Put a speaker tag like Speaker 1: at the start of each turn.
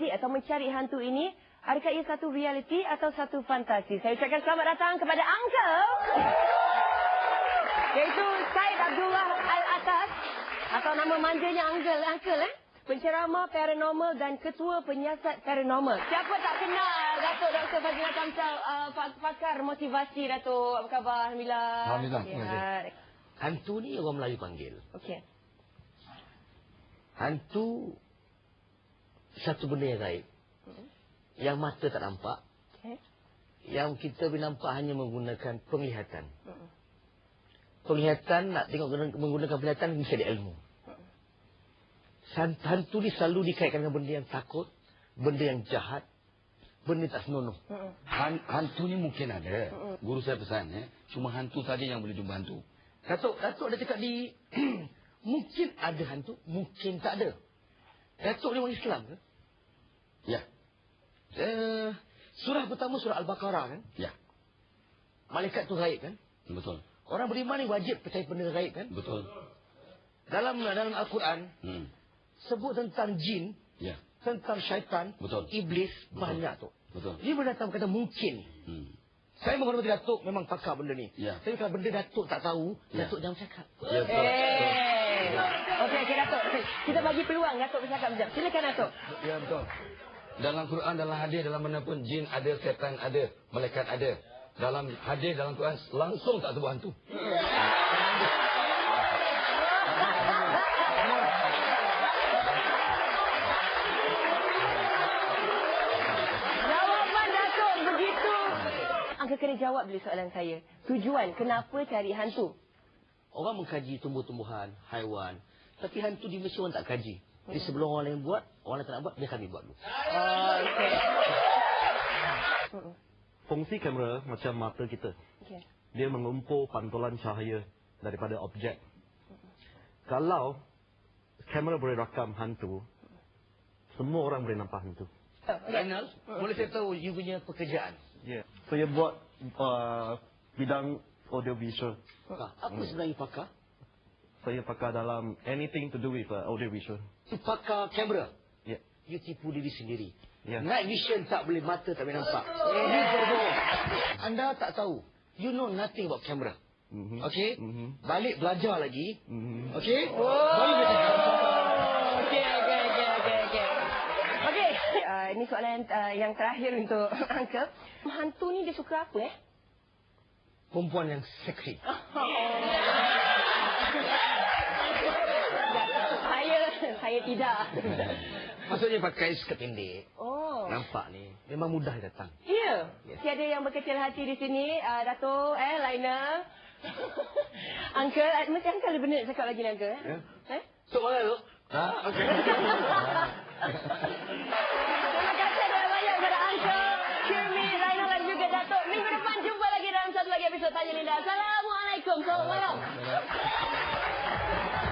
Speaker 1: menjadi atau mencari hantu ini, adakah ia satu realiti atau satu fantasi? Saya ucapkan selamat datang kepada Uncle, iaitu Syed Abdullah Al-Atas, atau nama manjanya Uncle, penceramah paranormal dan ketua penyiasat paranormal. Siapa tak kenal Datuk Dr. Fazlina Kamsal, pakar motivasi, Datuk? Apa khabar? Alhamdulillah.
Speaker 2: Alhamdulillah.
Speaker 1: Ya.
Speaker 3: Hantu ni orang Melayu panggil.
Speaker 1: Okey.
Speaker 3: Hantu satu benda yang gaib. Yang mata tak nampak.
Speaker 1: Okay.
Speaker 3: Yang kita boleh nampak hanya menggunakan penglihatan. Penglihatan, nak tengok menggunakan penglihatan, mesti ada ilmu. Hantu ni selalu dikaitkan dengan benda yang takut, benda yang jahat, benda tak senonoh.
Speaker 2: Hantu ni mungkin ada. Guru saya pesan, cuma hantu saja yang boleh jumpa hantu.
Speaker 3: Datuk ada cakap di mungkin ada hantu, mungkin tak ada. Datuk ni orang Islam ke?
Speaker 2: Ya.
Speaker 3: Surah pertama surah Al-Baqarah kan?
Speaker 2: Ya.
Speaker 3: Malaikat tu gaib kan?
Speaker 2: Betul.
Speaker 3: Orang beriman ni wajib percaya benda gaib kan?
Speaker 2: Betul.
Speaker 3: Dalam Al-Quran sebut tentang jin,
Speaker 2: Ya.
Speaker 3: tentang syaitan,
Speaker 2: Betul.
Speaker 3: iblis, banyak tu.
Speaker 2: Betul.
Speaker 3: Dia boleh datang kata mungkin. Saya menghormati Datuk, memang pakar benda ni.
Speaker 2: Ya.
Speaker 3: Tapi kalau benda Datuk tak tahu,
Speaker 2: Ya.
Speaker 3: Datuk jangan cakap.
Speaker 2: Ya, betul.
Speaker 1: Okey, Datuk. Kita bagi peluang Datuk bercakap sekejap. Silakan, Datuk.
Speaker 2: Ya, betul. Dalam Quran, dalam hadis, dalam mana pun jin ada, setan ada, malaikat ada. Dalam hadis, dalam Quran langsung tak sebut hantu.
Speaker 1: Jawapan Datuk begitu. Angka kena jawab dulu soalan saya. Tujuan kenapa cari hantu?
Speaker 3: Orang mengkaji tumbuh-tumbuhan, haiwan. Tapi hantu di Malaysia orang tak kaji. Jadi sebelum orang lain buat, orang lain tak nak buat, biar kami buat dulu.
Speaker 1: Okey.
Speaker 4: Fungsi kamera macam mata kita.
Speaker 1: Okey.
Speaker 4: Dia mengumpul pantulan cahaya daripada objek. Kalau kamera boleh rakam hantu, semua orang boleh nampak hantu.
Speaker 3: Renal, boleh saya tahu you punya pekerjaan?
Speaker 4: Ya. Saya buat bidang audio visual.
Speaker 3: Apa sebenarnya pakar?
Speaker 4: Saya pakar dalam anything to do with audio visual.
Speaker 3: You pakar kamera?
Speaker 4: Ya.
Speaker 3: You tipu diri sendiri.
Speaker 4: Ya.
Speaker 3: Night vision tak boleh, mata tak boleh nampak. You berbohong. Anda tak tahu. You know nothing about camera. Okey? Balik belajar lagi. Okey? Baru boleh cakap.
Speaker 1: Okey. Okey. Ini soalan yang terakhir untuk Uncle. Hantu ni dia suka apa
Speaker 3: Perempuan yang seksi.
Speaker 1: Saya tidak.
Speaker 3: Maksudnya pakai skirt pendek.
Speaker 1: Oh.
Speaker 3: Nampak ni. Memang mudah datang.
Speaker 1: Ya. Tiada yang berkecil hati di sini. Datuk, Laina. Uncle, mesti Uncle ada benda nak cakap lagi, Uncle.
Speaker 3: So, mana tu? Okey.
Speaker 1: Terima kasih banyak kepada Uncle, Kirmi, Laina dan juga Datuk. Minggu depan jumpa lagi dalam satu lagi episod Tanya Linda. Assalamualaikum. Selamat malam.